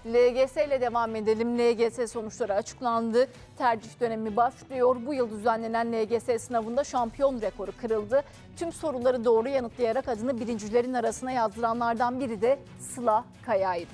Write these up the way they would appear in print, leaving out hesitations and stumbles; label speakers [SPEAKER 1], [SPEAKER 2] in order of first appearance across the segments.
[SPEAKER 1] LGS ile devam edelim. LGS sonuçları açıklandı. Tercih dönemi başlıyor. Bu yıl düzenlenen LGS sınavında şampiyon rekoru kırıldı. Tüm soruları doğru yanıtlayarak adını birincilerin arasına yazdıranlardan biri de Sıla Kaya'ydı.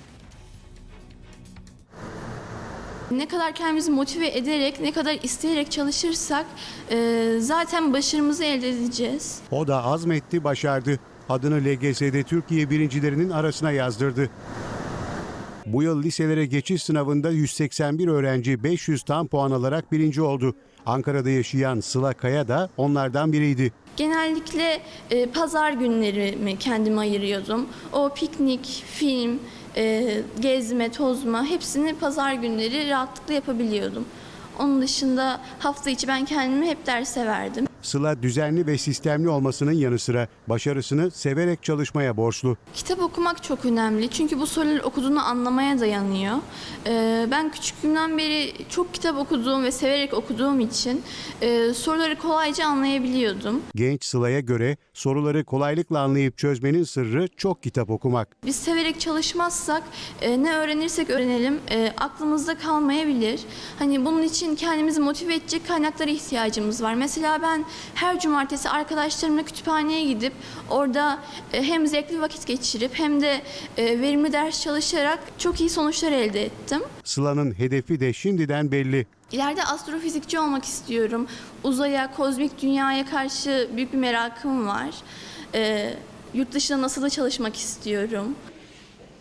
[SPEAKER 2] Ne kadar kendimizi motive ederek, ne kadar isteyerek çalışırsak zaten başarımızı elde edeceğiz.
[SPEAKER 3] O da azmetti, başardı. Adını LGS'de Türkiye birincilerinin arasına yazdırdı. Bu yıl liselere geçiş sınavında 181 öğrenci 500 tam puan alarak birinci oldu. Ankara'da yaşayan Sıla Kaya da onlardan biriydi.
[SPEAKER 2] Genellikle pazar günlerimi kendime ayırıyordum. O piknik, film, gezme, tozma hepsini pazar günleri rahatlıkla yapabiliyordum. Onun dışında hafta içi ben kendimi hep derse verdim.
[SPEAKER 3] Sıla düzenli ve sistemli olmasının yanı sıra başarısını severek çalışmaya borçlu.
[SPEAKER 2] Kitap okumak çok önemli çünkü bu soruları okuduğunu anlamaya dayanıyor. Ben küçüklüğümden beri çok kitap okuduğum ve severek okuduğum için soruları kolayca anlayabiliyordum.
[SPEAKER 3] Genç Sıla'ya göre soruları kolaylıkla anlayıp çözmenin sırrı çok kitap okumak.
[SPEAKER 2] Biz severek çalışmazsak ne öğrenirsek öğrenelim aklımızda kalmayabilir. Hani bunun için kendimizi motive edecek kaynaklara ihtiyacımız var. Mesela ben her cumartesi arkadaşlarımla kütüphaneye gidip orada hem zevkli vakit geçirip hem de verimli ders çalışarak çok iyi sonuçlar elde ettim.
[SPEAKER 3] Sıla'nın hedefi de şimdiden belli.
[SPEAKER 2] İleride astrofizikçi olmak istiyorum. Uzaya, kozmik dünyaya karşı büyük bir merakım var. Yurt dışında NASA'da çalışmak istiyorum.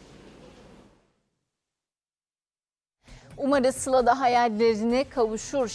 [SPEAKER 1] Umarız Sıla da hayallerine kavuşur.